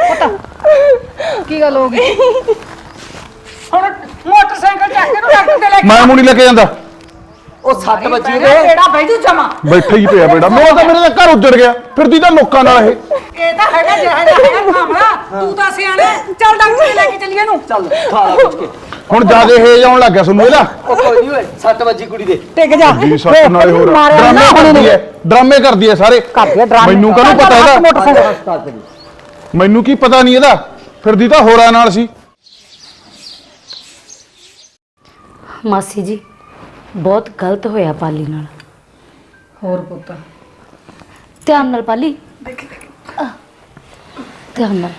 ਕੀ ਗੱਲ ਹੋ ਗਈ? ਹੁਣ ਮੋਟਰਸਾਈਕਲ ਚੱਕ ਕੇ ਨੂੰ ਡਾਕਟਰ ਤੇ ਲੈ ਕੇ ਮੈਂ ਨਹੀਂ ਲੈ ਕੇ ਜਾਂਦਾ। ਉਹ 7 ਵਜੇ ਦੇ ਕਿਹੜਾ ਬੈਜੂ ਜਮਾ। ਬੈਠੇ ਹੀ ਪਿਆ ਬੇੜਾ, ਮੇਰੇ ਤਾਂ ਘਰ ਉੱਜੜ ਗਿਆ। ਫਿਰਦੀ ਤਾਂ ਲੋਕਾਂ ਨਾਲ ਇਹ। ਇਹ ਤਾਂ ਹੈਗਾ ਜਿਹੜਾ ਹੈਗਾ ਖਾਮਲਾ, ਤੂੰ ਤਾਂ ਸਿਆਣਾ। ਚੱਲ ਡਾਕਟਰ ਤੇ ਲੈ ਕੇ ਚੱਲੀਏ ਨੂੰ। ਚੱਲ ਖਾਲਾ ਪੁੱਛ ਕੇ। ਹੁਣ ਜਿਆਦੇ ਹੇਜ ਆਉਣ ਲੱਗ ਗਿਆ ਤੁਹਾਨੂੰ ਇਹਦਾ। ਉਹ ਕੋਈ ਨਹੀਂ ਓਏ, 7 ਵਜੇ ਕੁੜੀ ਦੇ। ਟਿਕ ਜਾ। ਜੀ ਸੱਤ ਨਾਲੇ ਹੋਰ ਡਰਾਮੇ ਕਰਦੀ ਹੈ, ਡਰਾਮੇ ਕਰਦੀ ਹੈ ਸਾਰੇ। ਮੈਨੂੰ ਕਾਹਨੂੰ ਪਤਾ ਇਹਦਾ? ਮੈਨੂੰ ਕੀ ਪਤਾ ਨਹੀਂ ਇਹਦਾ, ਫਿਰਦੀ ਤਾਂ ਹੋਰਾਂ ਨਾਲ ਸੀ। ਮਾਸੀ ਜੀ ਬਹੁਤ ਗਲਤ ਹੋਇਆ ਪਾਲੀ ਨਾਲ। ਹੋਰ ਪੁੱਤ ਧਿਆਨ ਨਾਲ ਪਾਲੀ, ਧਿਆਨ ਨਾਲ।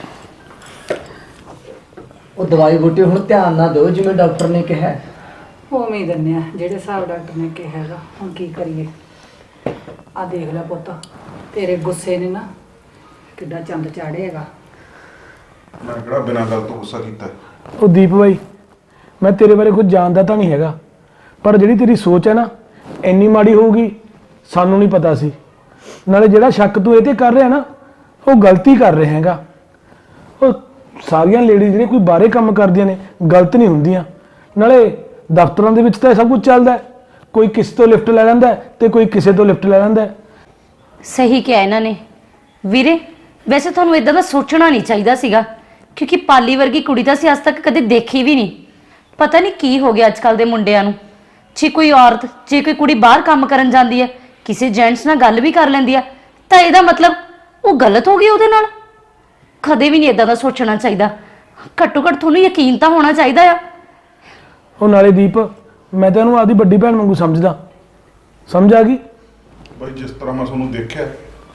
ਉਹ ਦਵਾਈ ਬੂਟੀ ਹੁਣ ਧਿਆਨ ਨਾਲ ਦਿਓ ਜਿਵੇਂ ਡਾਕਟਰ ਨੇ ਕਿਹਾ। ਉਵੇਂ ਹੀ ਦਿੰਨੇ ਆ ਜਿਹੜੇ ਹਿਸਾਬ ਡਾਕਟਰ ਨੇ ਕਿਹਾ ਹੈਗਾ। ਹੁਣ ਕੀ ਕਰੀਏ? ਆ ਦੇਖ ਲੈ ਪੁੱਤ, ਤੇਰੇ ਗੁੱਸੇ ਨੇ ਨਾ ਕਿੱਡਾ ਚੰਦ ਚਾੜੇਗਾ। ਮੈਂ ਕਿਹੜਾ ਬਿਨਾਂ ਗੱਲ ਤੋਂ ਗੁੱਸਾ ਕੀਤਾ? ਉਹ ਦੀਪ ਬਾਈ, ਮੈਂ ਤੇਰੇ ਬਾਰੇ ਕੁਝ ਜਾਣਦਾ ਤਾਂ ਨਹੀਂ ਹੈਗਾ, ਪਰ ਜਿਹੜੀ ਤੇਰੀ ਸੋਚ ਹੈ ਨਾ, ਇੰਨੀ ਮਾੜੀ ਹੋਊਗੀ ਸਾਨੂੰ ਨਹੀਂ ਪਤਾ ਸੀ। ਨਾਲੇ ਜਿਹੜਾ ਸ਼ੱਕ ਤੂੰ ਇਹ ਤੇ ਕਰ ਰਿਹਾ ਨਾ, ਉਹ ਗਲਤੀ ਕਰ ਰਿਹਾ ਹੈਗਾ। ਉਹ ਸਾਰੀਆਂ ਲੇਡੀਜ਼ ਜਿਹੜੇ ਕੋਈ ਬਾਹਰੇ ਕੰਮ ਕਰਦੀਆਂ ਨੇ ਗਲਤ ਨਹੀਂ ਹੁੰਦੀਆਂ। ਨਾਲੇ ਦਫ਼ਤਰਾਂ ਦੇ ਵਿੱਚ ਤਾਂ ਇਹ ਸਭ ਕੁਝ ਚੱਲਦਾ ਹੈ, ਕੋਈ ਕਿਸੇ ਤੋਂ ਲਿਫਟ ਲੈ ਲੈਂਦਾ ਹੈ ਤੇ ਕੋਈ ਕਿਸੇ ਤੋਂ ਲਿਫਟ ਲੈ ਲੈਂਦਾ ਹੈ। ਸਹੀ ਕਿਹਾ ਇਹਨਾਂ ਨੇ ਵੀਰੇ। ਵੈਸੇ ਤੁਹਾਨੂੰ ਇਦਾਂ ਦਾ ਸੋਚਣਾ ਨਹੀਂ ਚਾਹੀਦਾ ਸੀਗਾ, ਕਿਉਂਕਿ ਪਾਲੀ ਵਰਗੀ ਕੁੜੀ ਤਾਂ ਅਸੀਂ ਅੱਜ ਤੱਕ ਕਦੇ ਦੇਖੀ ਵੀ ਨਹੀਂ। ਪਤਾ ਨਹੀਂ ਕੀ ਹੋ ਗਿਆ ਅੱਜ ਕੱਲ ਦੇ ਮੁੰਡਿਆਂ ਨੂੰ। ਜੇ ਕੋਈ ਔਰਤ, ਜੇ ਕੋਈ ਕੁੜੀ ਬਾਹਰ ਕੰਮ ਕਰਨ ਜਾਂਦੀ ਹੈ, ਕਿਸੇ ਜੈਂਟਸ ਨਾਲ ਗੱਲ ਵੀ ਕਰ ਲੈਂਦੀ ਆ, ਤਾਂ ਇਹਦਾ ਮਤਲਬ ਉਹ ਗਲਤ ਹੋ ਗਈ ਉਹਦੇ ਨਾਲ। ਕਦੇ ਵੀ ਨਹੀਂ ਇਦਾਂ ਦਾ ਸੋਚਣਾ ਚਾਹੀਦਾ। ਘੱਟੋ ਘੱਟ ਤੁਹਾਨੂੰ ਯਕੀਨ ਤਾਂ ਹੋਣਾ ਚਾਹੀਦਾ ਆ। ਉਹ ਨਾਲੇ ਦੀਪ, ਮੈਂ ਤਾਂ ਇਹਨੂੰ ਆਪਦੀ ਵੱਡੀ ਭੈਣ ਵਾਂਗੂ ਸਮਝਦਾ। ਸਮਝ ਆ ਗਈ? ਬਾਈ ਜਿਸ ਤਰ੍ਹਾਂ ਮੈਂ ਤੁਹਾਨੂੰ ਦੇਖਿਆ,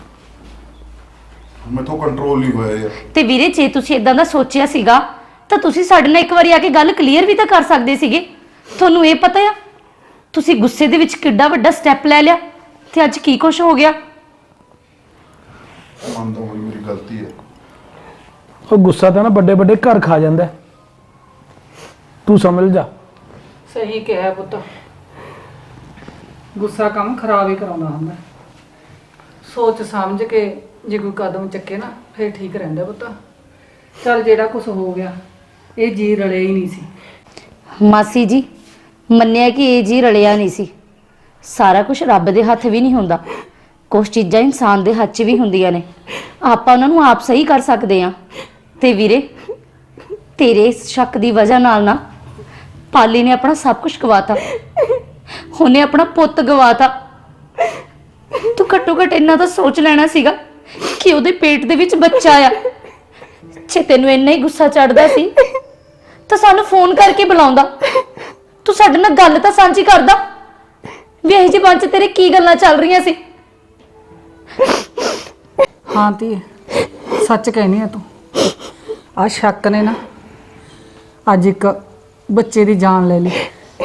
ਮੈਥੋਂ ਕੰਟਰੋਲ ਨਹੀਂ ਹੋਇਆ ਯਾਰ। ਤੇ ਵੀਰੇ ਜੇ ਤੁਸੀਂ ਇਦਾਂ ਦਾ ਸੋਚਿਆ ਸੀਗਾ ਤਾਂ ਤੁਸੀਂ ਸਾਡੇ ਨਾਲ ਇੱਕ ਵਾਰੀ ਆ ਕੇ ਗੱਲ ਕਲੀਅਰ ਵੀ ਤਾਂ ਕਰ ਸਕਦੇ ਸੀਗੇ। ਤੁਹਾਨੂੰ ਇਹ ਪਤਾ ਆ ਤੁਸੀਂ ਗੁੱਸੇ ਦੇ ਵਿੱਚ ਕਿੱਡਾ ਵੱਡਾ ਸਟੈਪ ਲੈ ਲਿਆ ਤੇ ਅੱਜ ਕੀ ਕੁਛ ਹੋ ਗਿਆ। ਮੰਨਦਾ ਹੋਈ ਮੇਰੀ ਗਲਤੀ ਹੈ। ਉਹ ਗੁੱਸਾ ਤਾਂ ਨਾ ਵੱਡੇ ਵੱਡੇ ਘਰ ਖਾ ਜਾਂਦਾ ਹੈ। ਤੂੰ ਸਮਝ ਜਾ। ਸਹੀ ਕਿਹਾ ਪੁੱਤ, ਗੁੱਸਾ ਕੰਮ ਖਰਾਬ ਹੀ ਕਰਾਉਂਦਾ ਹੁੰਦਾ। ਸੋਚ ਸਮਝ ਕੇ ਜੇ ਕੋਈ ਕਦਮ ਚੱਕੇ ਨਾ ਫਿਰ ਠੀਕ ਰਹਿੰਦਾ ਪੁੱਤ। ਚੱਲ ਜਿਹੜਾ ਕੁਝ ਹੋ ਗਿਆ ਇਹ ਜੀ ਰਲੇ ਹੀ ਨਹੀਂ ਸੀ। ਮਾਸੀ ਜੀ ਮੰਨਿਆ ਕਿ ਇਹ ਜੀ ਰਲਿਆ ਨਹੀਂ ਸੀ। ਸਾਰਾ ਕੁਝ ਰੱਬ ਦੇ ਹੱਥ ਵੀ ਨਹੀਂ ਹੁੰਦਾ। ਕੁਝ ਚੀਜ਼ਾਂ ਇਨਸਾਨ ਦੇ ਹੱਥ 'ਚ ਵੀ ਹੁੰਦੀਆਂ ਨੇ, ਆਪਾਂ ਉਹਨਾਂ ਨੂੰ ਆਪ ਸਹੀ ਕਰ ਸਕਦੇ ਆ। ਤੇ ਵੀਰੇ, ਤੇਰੇ ਇਸ ਸ਼ੱਕ ਦੀ ਵਜ੍ਹਾ ਨਾਲ ਨਾ ਪਾਲੀ ਨੇ ਆਪਣਾ ਸਭ ਕੁਝ ਗਵਾਤਾ, ਉਹਨੇ ਆਪਣਾ ਪੁੱਤ ਗਵਾਤਾ। ਤੂੰ ਘੱਟੋ ਘੱਟ ਇੰਨਾ ਤਾਂ ਸੋਚ ਲੈਣਾ ਸੀਗਾ ਕਿ ਉਹਦੇ ਪੇਟ ਦੇ ਵਿੱਚ ਬੱਚਾ ਆ। ਜੇ ਤੈਨੂੰ ਇੰਨਾ ਹੀ ਗੁੱਸਾ ਚੜਦਾ ਸੀ ਤਾਂ ਸਾਨੂੰ ਫੋਨ ਕਰਕੇ ਬੁਲਾਉਂਦਾ, ਤੂੰ ਸਾਡੇ ਨਾਲ ਗੱਲ ਤਾਂ ਸਾਂਝੀ ਕਰਦਾ ਵੀ ਇਹ ਜਿਹੇ ਮਨ 'ਚ ਤੇਰੇ ਕੀ ਗੱਲਾਂ ਚੱਲ ਰਹੀਆਂ ਸੀ। ਹਾਂ ਧੀਏ, ਸੱਚ ਕਹਿਨੀ ਆ ਤੂੰ। ਆ ਸ਼ੱਕ ਨੇ ਨਾ ਅੱਜ ਇੱਕ ਬੱਚੇ ਦੀ ਜਾਨ ਲੈ ਲਈ।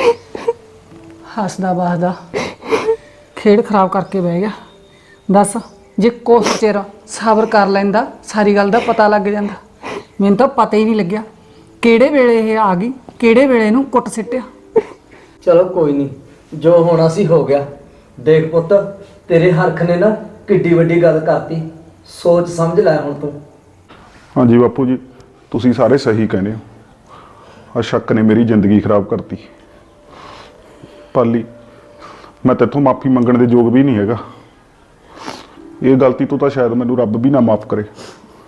ਹੱਸਦਾ ਵਸਦਾ ਖੇਡ ਖਰਾਬ ਕਰਕੇ ਬਹਿ ਗਿਆ। ਦੱਸ, ਜੇ ਕੁਛ ਚਿਰ ਸਬਰ ਕਰ ਲੈਂਦਾ ਸਾਰੀ ਗੱਲ ਦਾ ਪਤਾ ਲੱਗ ਜਾਂਦਾ। ਮੈਨੂੰ ਤਾਂ ਪਤਾ ਹੀ ਨਹੀਂ ਲੱਗਿਆ ਕਿਹੜੇ ਵੇਲੇ ਇਹ ਆ ਗਈ, ਕਿਹੜੇ ਵੇਲੇ ਇਹਨੂੰ ਕੁੱਟ ਸਿੱਟਿਆ। ਚਲੋ ਕੋਈ ਨਹੀਂ, ਜੋ ਹੋਣਾ ਸੀ ਹੋ ਗਿਆ। ਦੇਖ ਪੁੱਤ, ਤੇਰੇ ਹਰਖ ਨੇ ਨਾ ਕਿੱਡੀ ਵੱਡੀ ਗੱਲ ਕਰਤੀ, ਸੋਚ ਸਮਝ ਲੈ ਹੁਣ ਤੂੰ। ਹਾਂਜੀ ਬਾਪੂ ਜੀ, ਤੁਸੀਂ ਸਾਰੇ ਸਹੀ ਕਹਿੰਦੇ ਹੋ। ਆ ਸ਼ੱਕ ਨੇ ਮੇਰੀ ਜ਼ਿੰਦਗੀ ਖਰਾਬ ਕਰਤੀ। ਪਾਲੀ, ਮੈਂ ਤੇਥੋਂ ਮਾਫੀ ਮੰਗਣ ਦੇ ਯੋਗ ਵੀ ਨਹੀਂ ਹੈਗਾ। ਇਹ ਗਲਤੀ ਤੋਂ ਤਾਂ ਸ਼ਾਇਦ ਮੈਨੂੰ ਰੱਬ ਵੀ ਨਾ ਮਾਫ ਕਰੇ,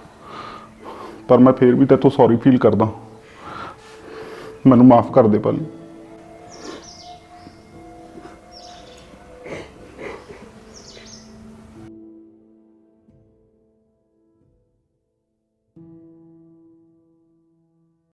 ਪਰ ਮੈਂ ਫੇਰ ਵੀ ਤੇਥੋਂ ਸੌਰੀ ਫੀਲ ਕਰਦਾ। ਮੈਨੂੰ ਮਾਫ ਕਰ ਦੇ ਪਾਲੀ।